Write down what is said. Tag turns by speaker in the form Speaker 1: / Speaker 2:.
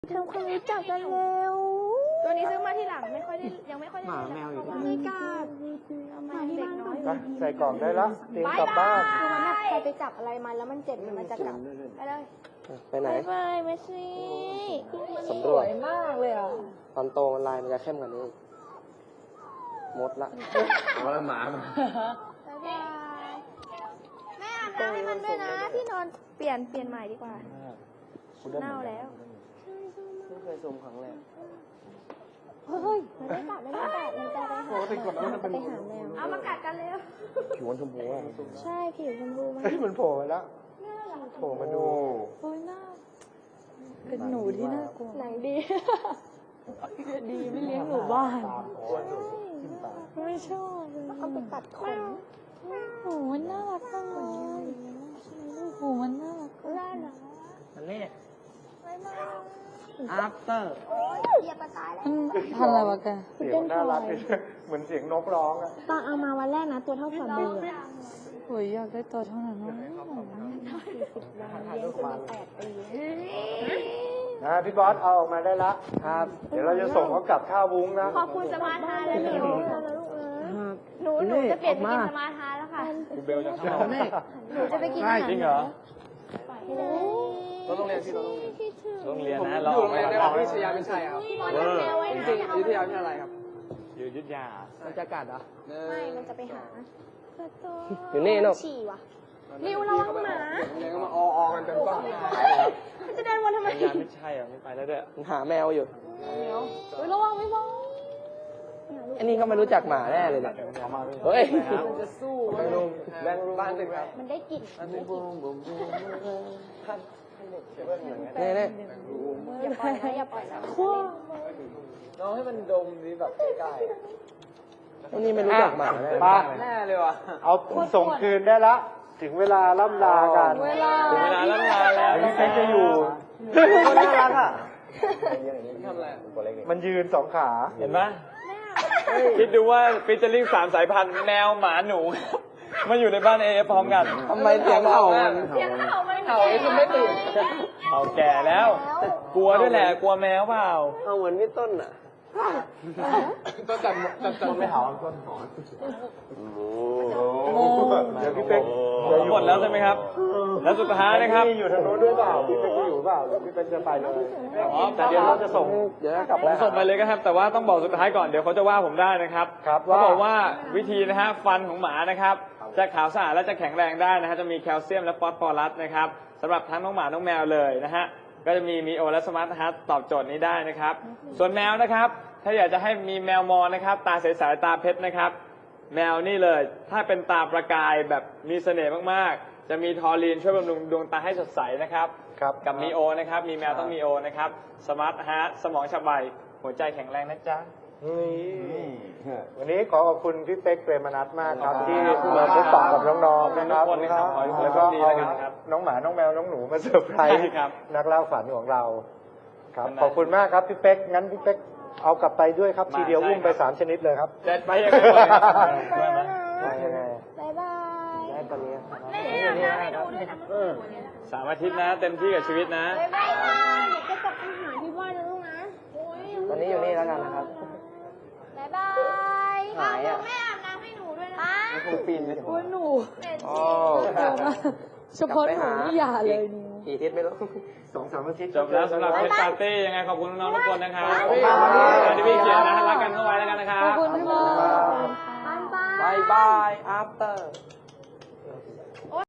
Speaker 1: ทำความรู้จักกันเร็วตัวนี้ซื้อมาที่หลังไม่ค่อยได้ยังไม่ค่อยได้
Speaker 2: หมาแมวอยู่ที่
Speaker 1: ไม่กล้ามาที่บ้านก่อน
Speaker 3: ไปใส่กล่องได้แล้วเตรียมกลับบ้าน
Speaker 1: คือมันแบบใครไปจับอะไรมาแล้วมันเจ็บมันจะกลับไปเลย
Speaker 2: ไปไหน
Speaker 1: ไปเมสซี่
Speaker 2: สำรวจ
Speaker 1: มากเลยอ่ะ
Speaker 2: ตอนโตมันลายมันจะเข้มกว่านี้มดละ
Speaker 3: ว่าหมา
Speaker 1: บ๊ายบายแม่อาบน้ำให้มันด้วยนะที่นอนเปลี่ยนใหม่ดีกว่าเน่าแล้ว
Speaker 2: ไม่เคยชมครั้งแรก
Speaker 1: เฮ้ยมันไม่กัดมันจะไปหามันจะไปหาแมวเอามากัดกันเร็ว
Speaker 3: ผิวชมพูอ่ะ
Speaker 1: ใช่ผิวชมพูมัน
Speaker 3: เฮ้ยมันโผล่มาแล้วโผล่มาดู
Speaker 1: โอ้ยน่าเป็นหนูที่น่ากลัวไหนดี ดีไม่เลี้ยงหนูบ้านไม่ชอบเอาไปตัดขนโอ้มันน่ารักจังเลยโอ้มันน่ารักน่ารัก
Speaker 2: มันเล่
Speaker 1: ไม่มา
Speaker 2: after
Speaker 1: เหยียบกระต่ายแล้ว
Speaker 4: พันอะไรวะแก
Speaker 3: เสียงน่ารักเหมือนเสียงนกร้องอ่ะ
Speaker 1: ตอนเอามาวันแรกนะตัวเท่าฝ่ามือ
Speaker 4: โอ้ยอยากได้ตัวเท่านั้นวะ
Speaker 1: เลี้ยงจนมา8 ปี
Speaker 3: นะพี่บอสเอาออกมาได้ละ
Speaker 2: ครับ
Speaker 3: เดี๋ยวเราจะส่งเขากลับท่าวุ้งนะ
Speaker 1: ขอบคุณสมาร์ทฮาร์และหนูหนูจะเปลี่ยนไปกินสมาร์ทฮาร์แล้วค่ะ
Speaker 3: คุณเบลจะเข้า
Speaker 1: หนูจะไปกินอาหาร
Speaker 3: จริงเหรอ
Speaker 2: เราต้องเรียนที่เราต้องเรียน
Speaker 3: โรงเรียนนะ
Speaker 2: อยู่โรงเรียนในของวิทยาเป็นชัยครับ
Speaker 1: พี่บอลทำแมวไว้
Speaker 2: จริง
Speaker 1: นะ
Speaker 2: วิทยาวิทยาลัยครับ
Speaker 3: อยู่ยุทธยา
Speaker 2: มันจะกัดเหรอ
Speaker 1: ไม่มันจะไปหา
Speaker 2: อยู่นี่เนอะ
Speaker 1: ฉี่ว่ะริวระวังหมา
Speaker 2: เรียนก็มาออกันเป็นก้อน
Speaker 1: มันจะเดินวนทำไม
Speaker 3: ยาไม่ใช่อ่ะไม่ไปแล้วเด้อ
Speaker 2: หาแมวอยู่
Speaker 1: ระวังไม่บ้อง
Speaker 2: อันนี้เขาไม่รู้จักหมาแน่เลยเนี่ยเฮ้ย
Speaker 3: มันจะสู้แบงค์บ้านเป็นไง
Speaker 1: มันได้กลิ่น
Speaker 2: นี่นี่
Speaker 1: อย่าปล่อยนะอย่าปล่อยนะ
Speaker 2: น้องให้มันดมนี้แบบใกล้ๆอันนี้ไม่รู้จักหมาแน่
Speaker 3: ป้า
Speaker 2: แน่เลยว่ะ
Speaker 3: เอาส่งคืนได้ละ ถึงเวลาล่ำลากัน
Speaker 2: ถึงเวลาล่ำลาแล้ว
Speaker 3: พี่เป๊กจะอยู่
Speaker 2: คนน่ารักอ่ะทำอะไร
Speaker 3: มันยืน2 ขา
Speaker 5: เห็นไหมคิดดูว่าฟิชเจอริ่ง3 สายพันธุ์แมวหมาหนู มาอยู่ในบ้านเอพร้อมกัน
Speaker 2: ทำไมเสียงเห่ามัน
Speaker 1: เสียงเห่ามัน
Speaker 2: เห่าไอ้คนไม่ตื่น
Speaker 5: เอาแก่แล้ว กลัวด้วยแหละ กลัวแมวเปล่า
Speaker 2: เอาเหมือนพี่ต้นอ่ะต้นจันไม่เห่าต้นหอน
Speaker 3: เดี๋ยวพี่เป๊ก
Speaker 5: หมดแล้วใช่ไหมครับ แล้วสุดท้ายนะครับ
Speaker 3: พี่อยู่ทางโน้นด้วยเปล่าพี่เป๊กจะอยู่เปล่าหรือพี่เป๊กจะไปเลย
Speaker 5: อ๋อ
Speaker 3: แต่เดี๋ยวเราจะส่ง
Speaker 2: เดี๋ยวกลับ
Speaker 5: ผมส่งไปเลยก็ครับ แต่ว่าต้องบอกสุดท้ายก่อน เดี๋ยวเขาจะว่าผมได้นะครับ
Speaker 3: ครับ
Speaker 5: เขาบอกว่าวิธีนะฮะฟันของหมานะครับ จะขาวสะอาดและจะแข็งแรงได้นะฮะ จะมีแคลเซียมและฟอสฟอรัสนะครับสำหรับทั้งน้องหมาน้องแมวเลยนะฮะ ก็จะมีโอและสมาร์ทฮัทตอบโจทย์นี้ได้นะครับ ส่วนแมวนะครับ ถ้าอยากจะให้มีแมวมองนะครับ ตาใสๆตาเพชรนะครับ แมวนี่เลย ถ้าเป็นตาประกายแบบมีเสน่ห์มากๆ จะมีทอรีนช่วยบำรุงดวงตาให้สดใสนะครับ
Speaker 3: ครับ
Speaker 5: กับมีโอนะครับ มีแมวต้องมีโอนะครับ สมาร์ทฮาร์ทสมองฉับไว หัวใจแข็งแรงนะจ๊ะ
Speaker 3: วันนี้ขอขอบคุณพี่เป๊กเปรมนัทมากครับที่มาพบปะกับน้องๆนะครับ
Speaker 5: ขอบคุณทุกคนนะครับขอให้ทุกคน
Speaker 3: แล้วก็
Speaker 5: ดี
Speaker 3: เอา
Speaker 5: แล้วกันนะครับ
Speaker 3: น้องหมาน้องแมวน้องหนูมาเซอร์ไพรส์
Speaker 5: ใช่ครับ
Speaker 3: นักเล่าฝันของเราครับ
Speaker 5: วันนั้น
Speaker 3: ขอบคุณมากครับพี่เป๊กงั้นพี่เป๊กเอากลับไปด้วยครับ
Speaker 5: มา
Speaker 3: ทีเดียว
Speaker 5: ใช่
Speaker 3: อุ้มไป
Speaker 5: ครับ
Speaker 3: 3 ชนิดเลยครับ
Speaker 5: จะไปยังไงก่อนครับช่วยไหม
Speaker 3: ได้ยังไง
Speaker 1: บ๊ายบาย
Speaker 2: ได้ตอนนี้
Speaker 1: แม่อาบน้ำให้ดูด้วยนะ
Speaker 5: 3 อาทิตย์นะ เต็มที่กับชีวิตนะ
Speaker 1: บ๊ายบายเดี๋ยวจะกลับไปหาที่บ้านนะลูกนะ
Speaker 2: ตอนนี้อยู่นี่แล้วกันนะครับ
Speaker 1: บ๊ายบาย
Speaker 2: หายอ่ะ
Speaker 1: แม่อาบน้ำให้หนูด้วยนะ
Speaker 2: ไม่คงปีนไปถึง
Speaker 4: หนู
Speaker 2: โอ้
Speaker 4: เฉพาะหนูนี่อย่าเลยนิว
Speaker 2: กี่ทิศไม่รู้
Speaker 3: 2-3 อาทิตย์
Speaker 5: จบแล้วสำหรับเพชรปาร์ตี้ยังไงขอบคุณน้องๆทุกคนนะครับ
Speaker 2: ขอบคุณครับ
Speaker 5: ที่พี่เกียรตินะรักกันเข้าไว้แล้วกันนะครับ
Speaker 4: ขอบคุณค่ะ
Speaker 1: บ๊ายบาย
Speaker 2: บายบาย after